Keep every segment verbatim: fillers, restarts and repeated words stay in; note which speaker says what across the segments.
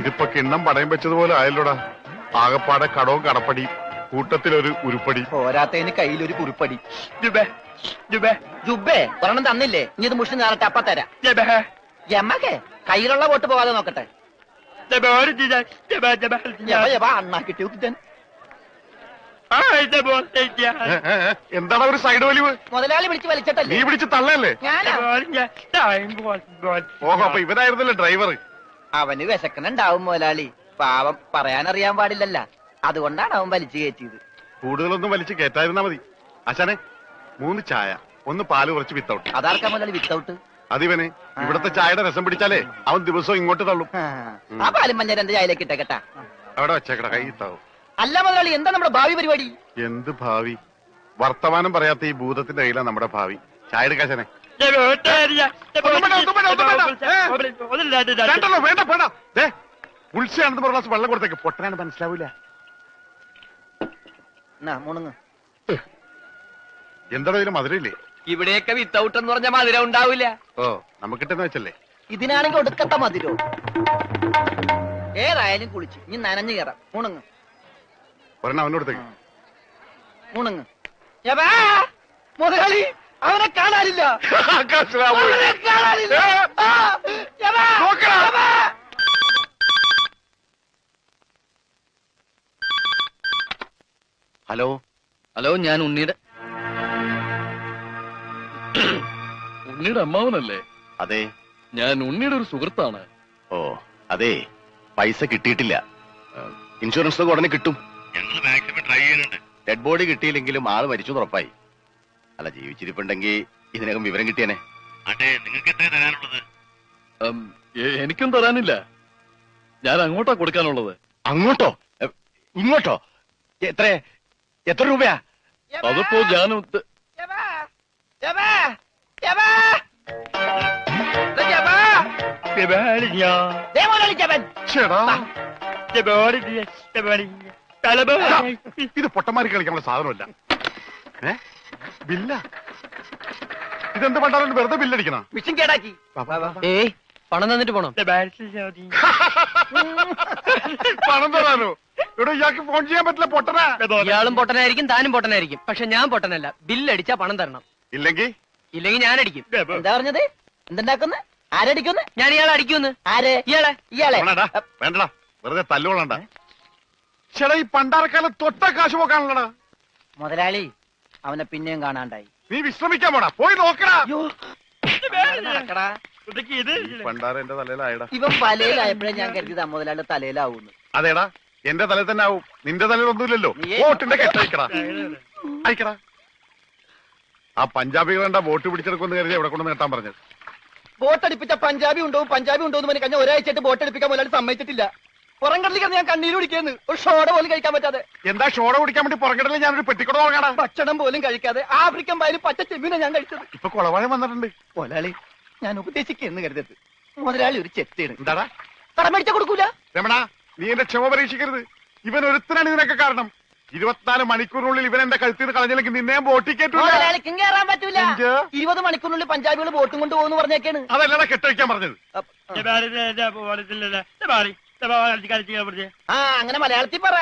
Speaker 1: ഇതിപ്പോ കിണ്ണം പടയം വെച്ചതുപോലെ ആയല്ലോടാ. ആകപ്പാടെ കടവും കടപ്പടി, കൂട്ടത്തിലൊരു ഉരുപ്പടി.
Speaker 2: പോരാത്തതിന് കയ്യിലൊരു കുറിപ്പടി. ജുബേ ഒരെണ്ണം തന്നില്ലേ? ഇനി ഇത് മുഷിന് നേരത്തെ അപ്പ തരാം. എമ്മക്കെ കയ്യിലുള്ള വോട്ട് പോകാതെ നോക്കട്ടെ. അണ്ണാ കിട്ടിയോ
Speaker 1: എന്താണ് ഒരു സൈഡ് വലിവ്?
Speaker 2: മുതലാളി വിളിച്ച് വലിച്ചിട്ടല്ലേ?
Speaker 1: നീ പിടിച്ച് തള്ളല്ലേ? ഓഹോ, അപ്പൊ ഇവനായിരുന്നല്ലേ ഡ്രൈവർ?
Speaker 2: അവന് വിശക്കണുണ്ടാവും മുതലാളി. പാവം പറയാനറിയാൻ പാടില്ലല്ല, അതുകൊണ്ടാണ് അവൻ വലിച്ചു കയറ്റിയത്.
Speaker 1: കൂടുതലൊന്നും വലിച്ചു കയറ്റായിരുന്നാ മതി. അച്ഛനെ മൂന്ന് ചായ, ഒന്ന് പാല് കുറച്ച് വിത്തൗട്ട്.
Speaker 2: അതാർക്കാ മുതലാളി വിത്തൗട്ട്?
Speaker 1: അതിവന് ഇവിടത്തെ ചായയുടെ രസം പിടിച്ചാലേ അവൻ ദിവസവും ഇങ്ങോട്ട് തള്ളും.
Speaker 2: ആ പാലും മഞ്ഞ രണ്ട് ചായയിലേക്ക് ഇട്ടേക്കട്ടാ.
Speaker 1: അവിടെ വെച്ചേക്കട, കൈ ഇത്താവും.
Speaker 2: അല്ല മുതലാളി, എന്താ നമ്മുടെ ഭാവി പരിപാടി?
Speaker 1: എന്ത് ഭാവി? വർത്തമാനം പറയാത്ത ഈ ഭൂതത്തിന്റെ കയ്യിലാണ് നമ്മുടെ ഭാവി. ചായ എടുക്കാശനെ. വേണ്ട വേണ്ട, ഉത്സയാണെന്ന് പറഞ്ഞ ഗ്ലാസ് വെള്ളം കൊടുത്തേക്ക്. പൊട്ടനാണ് മനസ്സിലാവൂല. എന്താണോ ഇതിന് മധുരയില്ലേ?
Speaker 2: ഇവിടെയൊക്കെ വിത്തൗട്ട് എന്ന് പറഞ്ഞ മധുരം ഉണ്ടാവില്ല.
Speaker 1: ഓ, നമുക്കിട്ടെന്ന് വെച്ചല്ലേ.
Speaker 2: ഇതിനാണെങ്കിൽ ഒടുക്കത്തെ മധുരോ. ഏതായാലും കുളിച്ച് ഇനി നനഞ്ഞു കയറാം. മുണുങ്ങ്
Speaker 1: ഒരെണ്ണം അവനോടത്തേക്ക്.
Speaker 2: മുണുങ്ങ്. മുതലാളി അവനെ കാണാനില്ല. അവനെ കാണാനില്ല.
Speaker 1: ഹലോ
Speaker 3: ഹലോ, ഞാൻ ഉണ്ണിയുടെ ഉണ്ണിയുടെ അമ്മാവനല്ലേ?
Speaker 1: അതെ,
Speaker 3: ഞാൻ ഉണ്ണിയുടെ ഒരു സുഹൃത്താണ്.
Speaker 1: ഓ അതെ, പൈസ കിട്ടിയിട്ടില്ല. ഇൻഷുറൻസ് ഒക്കെ ഉടനെ കിട്ടും. ഞങ്ങൾ മാക്സിമം ട്രൈ ചെയ്യുന്നുണ്ട്. ഡെഡ് ബോഡി കിട്ടിയില്ലെങ്കിലും ആള് മരിച്ചു ഉറപ്പായി. അല്ല, ജീവിച്ചിരിപ്പുണ്ടെങ്കിൽ ഇതിനകം വിവരം കിട്ടിയനെ. അതെ, നിങ്ങൾക്ക് എത്ര തരാനുള്ളത്?
Speaker 3: എനിക്കും തരാനില്ല. ഞാൻ അങ്ങോട്ടാ കൊടുക്കാനുള്ളത്.
Speaker 1: അങ്ങോട്ടോ ഇങ്ങോട്ടോ? എത്ര എത്ര രൂപയാ?
Speaker 3: അതിപ്പോ ഞാൻ
Speaker 1: ഇത് പൊട്ടന്മാരി കളിക്കാനുള്ള സാധനമല്ല. ഏ ബില്ല? ഇതെന്ത് പണ്ടാലും വെറുതെ ബില്ലടിക്കണ?
Speaker 2: മിഷൻ കേടാക്കി. ഏയ്, പണം തന്നിട്ട് പോണം.
Speaker 1: പണം തരാനോ? ഇവിടെ ഇയാൾക്ക് ഫോൺ ചെയ്യാൻ പറ്റില്ല. പൊട്ടനാ.
Speaker 2: ഇയാളും പൊട്ടനായിരിക്കും, താനും പൊട്ടനായിരിക്കും. പക്ഷെ ഞാൻ പൊട്ടനല്ല. ബില്ലടിച്ചാ പണം തരണം.
Speaker 1: ഇല്ലെങ്കിൽ
Speaker 2: ഇല്ലെങ്കിൽ ഞാൻ അടിക്കും. എന്താ പറഞ്ഞത്? എന്തുണ്ടാക്കുന്ന? ആരടിക്കുന്നു? ഞാൻ ഇയാളെ അടിക്കുന്നു. ആര്? ഇയാളെ ഇയാളെ
Speaker 1: വേണ്ടടാ, വെറുതെ തല്ലുകൊള്ളണ്ട. ചേട്ടാ, ഈ പണ്ടാരക്കാലം തൊട്ട കാശ് പോക്കാണല്ലടാ.
Speaker 2: മുതലാളി അവനെ പിന്നെയും കാണാണ്ടായി.
Speaker 1: നീ വിശ്രമിക്കാൻ പോടാ, പോയി നോക്കടാ.
Speaker 2: നടക്കടാ.
Speaker 1: പണ്ടാര എന്റെ തലയിലായടാ.
Speaker 2: ഇവൻ വലയിലായപ്പോഴേ ഞാൻ കരുതിയതാ മുതലാളി തലയിലാവൂന്ന്.
Speaker 1: അതേടാ, എന്റെ തലയിൽ തന്നെ ആവും. നിന്റെ തലയിൽ ഒന്നുമില്ലല്ലോ. വോട്ടിന്റെ കെട്ടയക്കടാ, അയക്കടാ. ആ പഞ്ചാബികളെന്താ വോട്ട് പിടിച്ചെടുക്കുമെന്ന് കരുതി എവിടെ കൊണ്ട് നേട്ടാൻ പറഞ്ഞത്.
Speaker 2: ബോട്ടടിപ്പിച്ച പഞ്ചാബി ഉണ്ടോ പഞ്ചാബി ഉണ്ടോ എന്ന് പറഞ്ഞ് കഴിഞ്ഞ ഒരാഴ്ചയായിട്ട് ബോട്ടടിപ്പിക്കാൻ മുതലാളി സമ്മതിച്ചിട്ടില്ല. പുറംകടലിൽ കിടന്ന് ഞാൻ കണ്ണീര് കുടിക്കുന്നു. ഒരു ഷോട പോലും കഴിക്കാൻ പറ്റാതെ.
Speaker 1: എന്താ ഷോട കുടിക്കാൻ വേണ്ടി പുറംകടലിൽ ഞാനൊരു പെട്ടിക്കൂടെ നോക്കണ.
Speaker 2: ഭക്ഷണം പോലും കഴിക്കാതെ ആഫ്രിക്കൻ പായലും പച്ച ചെമ്മീനെ ഞാൻ കഴിച്ചത്.
Speaker 1: ഇപ്പൊ കുളവാഴം വന്നിട്ടുണ്ട്.
Speaker 2: മുതലാളി ഞാൻ ഉപദേശിക്കുന്നു കരുതരുത്. മുതലാളി ഒരു ചെത്തേണ്.
Speaker 1: എന്താടാ?
Speaker 2: കടം മേടിച്ച കൊടുക്കൂല.
Speaker 1: രമണ, നീ എന്റെ ക്ഷമ പരീക്ഷിക്കരുത്. ഇവൻ ഒരുത്തനാണ് ഇതിനൊക്കെ കാരണം. ഇരുപത്തിനാല് മണിക്കൂറിനുള്ളിൽ ഇവൻ എന്റെ കഴുത്തിൽ കളഞ്ഞില്ലെങ്കിൽ നിന്നെ ബോട്ടി കേട്ടു.
Speaker 2: മുതലാളിക്കും കയറാൻ പറ്റൂല. ഇരുപത് മണിക്കൂറിനുള്ളിൽ പഞ്ചാബികൾ ബോട്ടും കൊണ്ട് പോകുന്നു പറഞ്ഞേക്കാണ്.
Speaker 1: അതല്ലടാ കെട്ടഴിക്കാൻ പറഞ്ഞത്.
Speaker 2: ആ അങ്ങനെ മലയാളത്തിൽ പറ.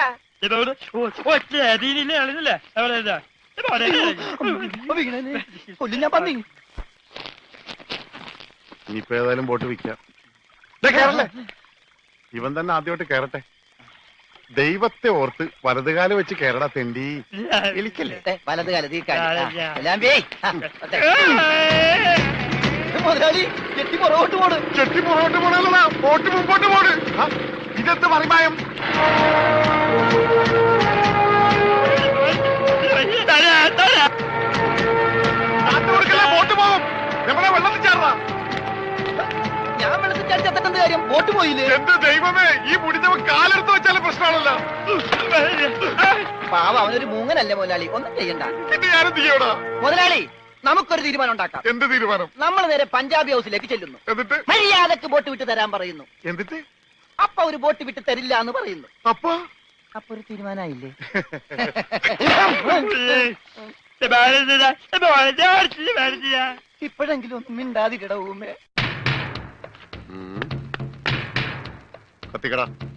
Speaker 2: കൊല്ലും ഞാൻ പന്നി.
Speaker 1: ഇനിയിപ്പോ ഏതായാലും ബോട്ട് വിൽക്കാം. കേറല്ലേ, ഇവൻ തന്നെ ആദ്യമായിട്ട് കേറട്ടെ. ദൈവത്തെ ഓർത്ത് വലതുകാലം വെച്ച് കേരള തെണ്ടി. എലിക്കല്ലേ
Speaker 2: വലത് കാലത്ത് മുതലാളി ചെട്ടി പുറകോട്ട് പോണ്.
Speaker 1: ചെട്ടി പുറകോട്ട് പോണല്ലടാ, ബോട്ട് മുമ്പോട്ട് പോണ്. ഇതെന്ത് മറിമായം? ബോട്ട് പോകും. നമ്മളെ വെള്ളത്തിൽ ചാടാ.
Speaker 2: ഞാൻ വെള്ളത്തിൽ ചാടി ചത്തിട്ടെന്ത് കാര്യം? ബോട്ട് പോയില്ലേ?
Speaker 1: എന്ത് ദൈവമേ, ഈ മുടിഞ്ഞവൻ കാലെടുത്ത് വെച്ചാലും പ്രശ്നമാണല്ലോ.
Speaker 2: പാവ, അവനൊരു മൂങ്ങനല്ലേ മുതലാളി, ഒന്നും ചെയ്യണ്ട.
Speaker 1: ഇത് ഞാനും ചെയ്യടാ.
Speaker 2: മുതലാളി നമുക്കൊരു തീരുമാനം ഉണ്ടാക്കാം.
Speaker 1: എന്ത് തീരുമാനം?
Speaker 2: നമ്മൾ നേരെ പഞ്ചാബി ഹൗസിലേക്ക് ചെല്ലുന്നു.
Speaker 1: എന്നിട്ട്
Speaker 2: മര്യാദക്ക് ബോട്ട് വിട്ട് തരാൻ പറയുന്നു.
Speaker 1: എന്നിട്ട്
Speaker 2: അപ്പൊ ഒരു ബോട്ട് വിട്ട് തരില്ല എന്ന് പറയുന്നു.
Speaker 1: അപ്പൊ
Speaker 2: അപ്പൊ ഒരു തീരുമാനമായില്ലേ? ഇപ്പോഴെങ്കിലും ഒന്നും മിണ്ടാതിരിട ഊമേ.
Speaker 4: കത്തിക്കടാ